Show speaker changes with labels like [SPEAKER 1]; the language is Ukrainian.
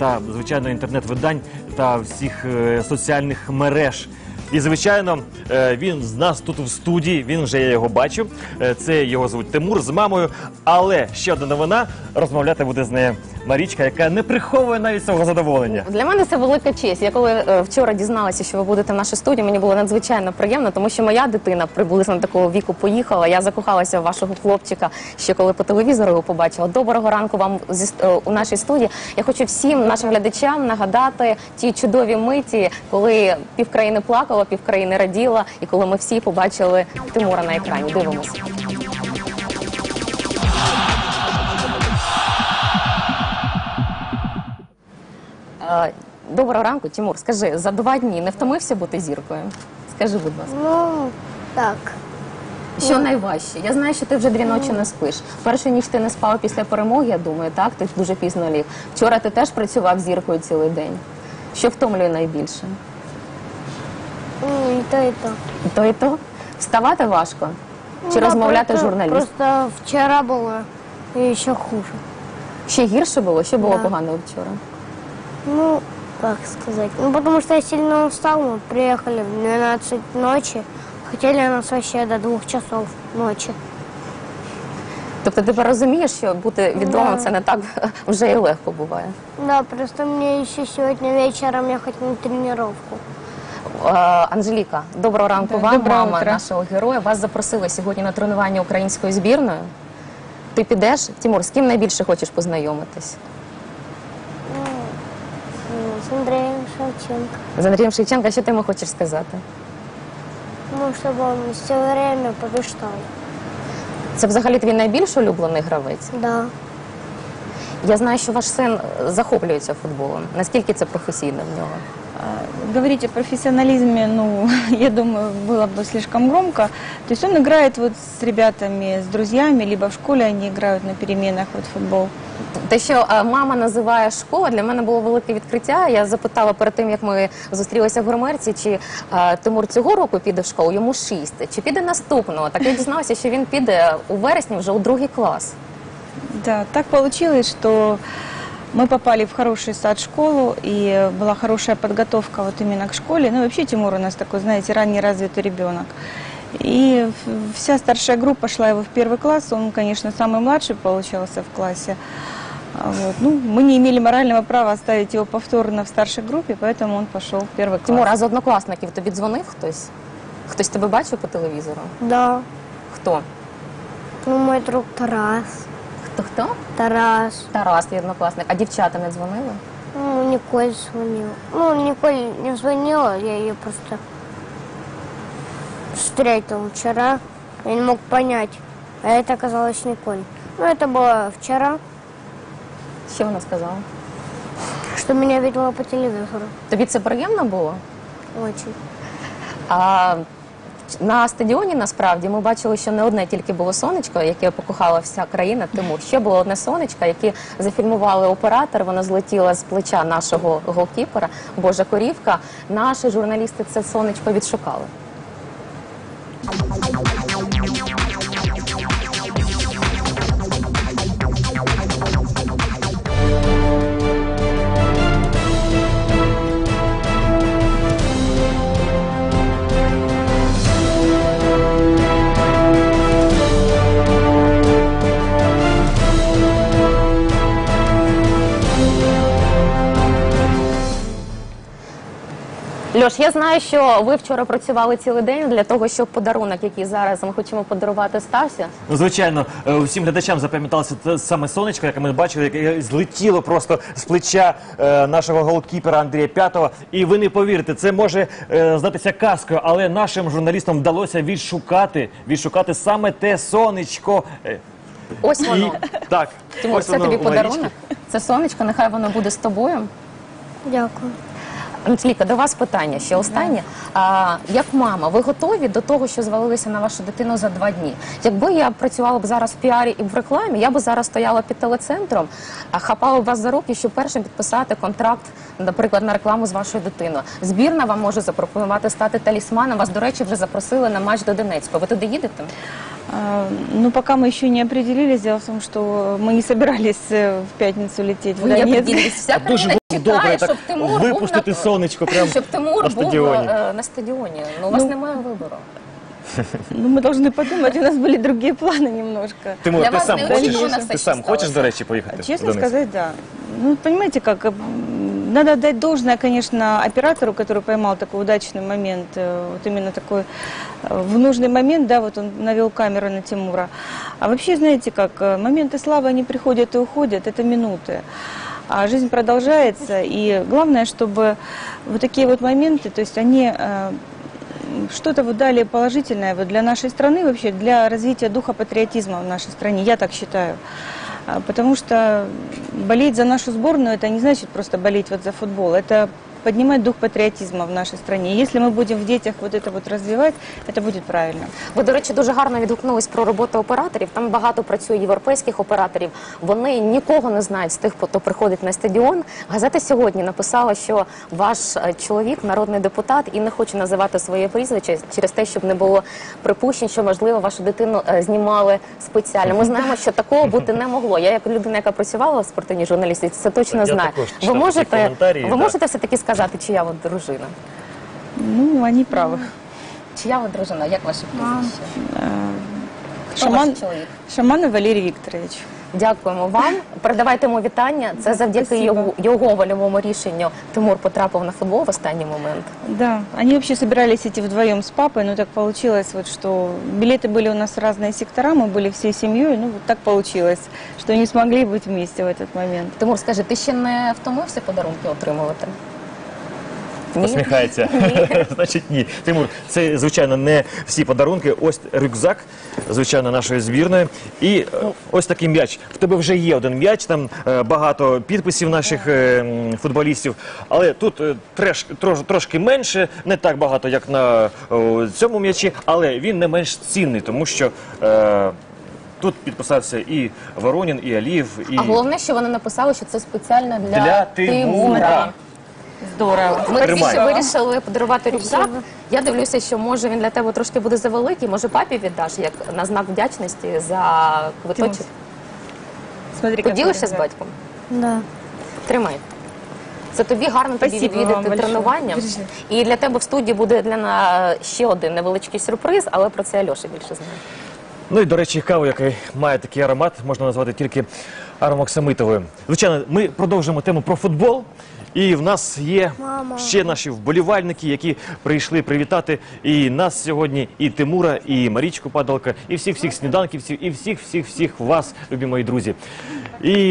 [SPEAKER 1] та, звичайно, інтернет-видань та всіх соціальних мереж. І, звичайно, він з нас тут в студії, він вже, я його бачу. Це його звуть Тимур з мамою. Але ще одна новина, розмовляти буде з нею Марічка, яка не приховує навіть свого задоволення.
[SPEAKER 2] Для мене це велика честь. Я коли вчора дізналася, що ви будете в нашій студії, мені було надзвичайно приємно, тому що моя дитина приблизно такого віку поїхала. Я закохалася в вашого хлопчика, ще коли по телевізору його побачила. Доброго ранку вам у нашій студії. Я хочу всім нашим глядачам нагадати ті чудові миті, коли півкраїни плакало, півкраїни раділа, і коли ми всі побачили Тимура на екрані. Дивимося. Доброго ранку, Тимур. Скажи, за 2 дні не втомився бути зіркою? Скажи, будь ласка.
[SPEAKER 3] Ну, так.
[SPEAKER 2] Що найважче? Я знаю, що ти вже 2 ночі не спиш. Першу ніч ти не спав після перемоги, я думаю, так? Ти дуже пізно ліг. Вчора ти теж працював зіркою цілий день. Що втомлює найбільше?
[SPEAKER 3] І то, і то.
[SPEAKER 2] І то, і то? Вставати важко? Чи розмовляти з журналістом?
[SPEAKER 3] Просто вчора було і ще хуже.
[SPEAKER 2] Ще гірше було? Що було
[SPEAKER 3] Да.
[SPEAKER 2] поганого вчора?
[SPEAKER 3] Ну, как сказать? Ну, потому что я сильно устал, мы приехали в 12 ночи, хотели нас вообще до 2 часов ночи.
[SPEAKER 2] Тобто ти розумієш, що бути відомим це не так вже і легко буває?
[SPEAKER 3] Да, просто мне еще сегодня вечером ехать на тренировку.
[SPEAKER 2] Анжеліка, доброго ранку вам,
[SPEAKER 4] доброго
[SPEAKER 2] мама
[SPEAKER 4] утра.
[SPEAKER 2] нашого героя. Вас запросили сьогодні на тренування української збірної. Ти підеш? Тимур, з ким найбільше хочеш познайомитись?
[SPEAKER 3] С Андреем Шевченко.
[SPEAKER 2] З Андрієм Шевченко, що ти йому хочеш сказати?
[SPEAKER 3] Ну, чтобы он все время побеждал.
[SPEAKER 2] Це взагалі твій найбільш улюблений гравець?
[SPEAKER 3] Да.
[SPEAKER 2] Я знаю, що ваш син захоплюється футболом. Наскільки це професійно в нього?
[SPEAKER 4] Говорить о профессионализме, ну, я думаю, было бы слишком громко. То есть он играет вот с ребятами, с друзьями, либо в школе они играют на переменах вот в футбол.
[SPEAKER 2] Те, що мама називає школа, для мене було велике відкриття. Я запитала перед тим, як ми зустрілися в гримерці, чи Тимур цього року піде в школу, йому 6, чи піде наступного. Так я дізналася, що він піде у вересні вже у 2 клас.
[SPEAKER 4] Да, так получилось, что мы попали в хороший сад-школу, и была хорошая подготовка вот именно к школе. Ну, вообще Тимур у нас такой, знаете, ранний развитый ребенок. И вся старшая группа шла его в 1 класс. Он, конечно, самый младший получался в классе. Вот. Ну, мы не имели морального права оставить его повторно в старшей группе, поэтому он пошел в 1 класс.
[SPEAKER 2] Тимур, а з однокласників тобі дзвонив хтось? Хтось тебе бачив по телевізору?
[SPEAKER 3] Да.
[SPEAKER 2] Хто?
[SPEAKER 3] Ну, мой друг Тарас.
[SPEAKER 2] Хто?
[SPEAKER 3] Тарас.
[SPEAKER 2] Тарас, твій однокласник. А дівчата не дзвонили?
[SPEAKER 3] Ну, Николь звонила. Ну, Николь не звонила, я ее просто встретил вчера. Я не мог понять, а это оказалось Николь. Ну, это было вчера,
[SPEAKER 2] Що вона сказала?
[SPEAKER 3] что меня видела по телевизору.
[SPEAKER 2] Тобі це приємно було?
[SPEAKER 3] Очень.
[SPEAKER 2] А на стадіоні, насправді, ми бачили, що не одне тільки було сонечко, яке покохала вся країна, Тимур. Ще було одне сонечко, яке зафільмували оператор, воно злетіло з плеча нашого голкіпера, Божа Корівка. Наші журналісти це сонечко відшукали. Льош, я знаю, що ви вчора працювали цілий день для того, щоб подарунок, який зараз ми хочемо подарувати, стався.
[SPEAKER 1] Ну, звичайно, всім глядачам запам'яталося те саме сонечко, яке ми бачили, яке злетіло просто з плеча нашого голкіпера Андрія П'ятого. І ви не повірите, це може здатися казкою, але нашим журналістам вдалося відшукати саме те сонечко.
[SPEAKER 2] Ось воно.
[SPEAKER 1] Так,
[SPEAKER 2] Тимур,
[SPEAKER 1] ось
[SPEAKER 2] це
[SPEAKER 1] воно
[SPEAKER 2] тобі
[SPEAKER 1] у Марічки.
[SPEAKER 2] подарунок. Це сонечко, нехай воно буде з тобою.
[SPEAKER 3] Дякую.
[SPEAKER 2] Анжеліка, до вас питання ще останнє. Як мама, ви готові до того, що звалилися на вашу дитину за 2 дні? Якби я працювала б зараз в піарі і в рекламі, я б зараз стояла під телецентром, хапала б вас за руки, щоб першим підписати контракт, наприклад, на рекламу з вашою дитиною. Збірна вам може запропонувати стати талісманом. Вас, до речі, вже запросили на матч до Донецька. Ви туди їдете?
[SPEAKER 4] Ну, пока мы еще не определились. Дело в том, что мы не собирались в пятницу лететь в
[SPEAKER 2] Ви як
[SPEAKER 4] Донецк.
[SPEAKER 2] ділись? Вся
[SPEAKER 1] А дуже
[SPEAKER 2] країна
[SPEAKER 1] добре
[SPEAKER 2] чекає,
[SPEAKER 1] так
[SPEAKER 2] щоб Тимур
[SPEAKER 1] випустити
[SPEAKER 2] був
[SPEAKER 1] сонечко прямо
[SPEAKER 2] щоб Тимур
[SPEAKER 1] на
[SPEAKER 2] був
[SPEAKER 1] стадіоні.
[SPEAKER 2] на стадіоні. Ну, у вас немає вибору.
[SPEAKER 4] Ну, мы должны подумать, у нас были другие планы немножко.
[SPEAKER 1] Тимур,
[SPEAKER 2] Для
[SPEAKER 1] ти
[SPEAKER 2] вас
[SPEAKER 1] сам
[SPEAKER 2] неочікувано
[SPEAKER 1] хочеш?
[SPEAKER 2] все,
[SPEAKER 1] Ти
[SPEAKER 2] що
[SPEAKER 1] сам хочеш,
[SPEAKER 2] сталося.
[SPEAKER 1] до речі, поїхати в
[SPEAKER 4] Честно
[SPEAKER 1] Донецьк?
[SPEAKER 4] сказать, да. Ну, понимаете, как, надо отдать должное, конечно, оператору, который поймал такой удачный момент, вот именно такой, в нужный момент, да, вот он навел камеру на Тимура. А вообще, знаете как, моменты славы, они приходят и уходят, это минуты. А жизнь продолжается, и главное, чтобы вот такие вот моменты, то есть они что-то вот дали положительное вот для нашей страны, вообще для развития духа патриотизма в нашей стране, я так считаю. Потому что болеть за нашу сборную, это не значит просто болеть вот за футбол, это поднимать дух патриотизма в нашей стране. Если мы будем в детях вот это вот развивать, это будет правильно.
[SPEAKER 2] Ви, до речі, дуже гарно відгукнулись про роботу операторів. Там багато працює європейських операторів. Вони нікого не знають з тих, хто приходить на стадіон. Газета сьогодні написала, що ваш чоловік, народний депутат, і не хоче називати своє прізвище через те, щоб не було припущень, що, можливо, вашу дитину знімали спеціально. Ми знаємо, що такого бути не могло. Я, як людина, яка працювала в спортивній журналістиці, це точно
[SPEAKER 1] Я
[SPEAKER 2] знаю.
[SPEAKER 1] також
[SPEAKER 2] Ви
[SPEAKER 1] читав такі коментарі,
[SPEAKER 2] ви
[SPEAKER 1] так.
[SPEAKER 2] можете все-таки сказати, чия ви дружина?
[SPEAKER 4] Ну, они правы.
[SPEAKER 2] Чия ви дружина? Як ваше прізвище? Хто
[SPEAKER 4] Шаман,
[SPEAKER 2] ваш чоловік?
[SPEAKER 4] Шаманов Валерий Викторович.
[SPEAKER 2] Дякуємо вам. Передавайте йому вітання. Це завдяки
[SPEAKER 4] Спасибо.
[SPEAKER 2] його вольовому рішенню Тимур потрапив на футбол в останній момент.
[SPEAKER 4] Да, они вообще собирались идти вдвоем с папой, но так получилось, вот, что билеты были у нас в разные сектора, мы были всей семьей, ну вот так получилось, что не смогли быть вместе в этот момент.
[SPEAKER 2] Тимур, скажи, ти ще не втомився подарунки отримувати? Ні?
[SPEAKER 1] Посміхається. Значить, ні. Тимур, це, звичайно, не всі подарунки. Ось рюкзак, звичайно, нашої збірної. І ось такий м'яч. В тебе вже є один м'яч, там багато підписів наших футболістів. Але тут трошки менше, не так багато, як на цьому м'ячі, але він не менш цінний, тому що тут підписався і Воронін, і Алієв, і
[SPEAKER 2] А головне, що вони написали, що це спеціально для
[SPEAKER 1] для Тимура.
[SPEAKER 4] Здорово.
[SPEAKER 2] Ми
[SPEAKER 1] Тримай.
[SPEAKER 2] ще вирішили подарувати рюкзак. Я дивлюся, що може він для тебе трошки буде завеликий, може папі віддаш, як на знак вдячності за квиточок.
[SPEAKER 4] Смотри,
[SPEAKER 2] Поділишся з
[SPEAKER 4] какой
[SPEAKER 2] батьком?
[SPEAKER 3] Да.
[SPEAKER 2] Тримай. Це тобі гарно тобі
[SPEAKER 4] Спасибо вам
[SPEAKER 2] відвідати
[SPEAKER 4] большое.
[SPEAKER 2] тренування.
[SPEAKER 4] Держи.
[SPEAKER 2] І для тебе в студії буде ще один невеличкий сюрприз, але про це Альоша більше знає.
[SPEAKER 1] Ну і, до речі, каву, яка має такий аромат, можна назвати тільки аромоксамитовою. Звичайно, ми продовжуємо тему про футбол. І в нас є ще наші вболівальники, які прийшли привітати і нас сьогодні, і Тимура, і Марічку Падалка, і всіх сніданківців, і всіх вас, любі мої друзі. І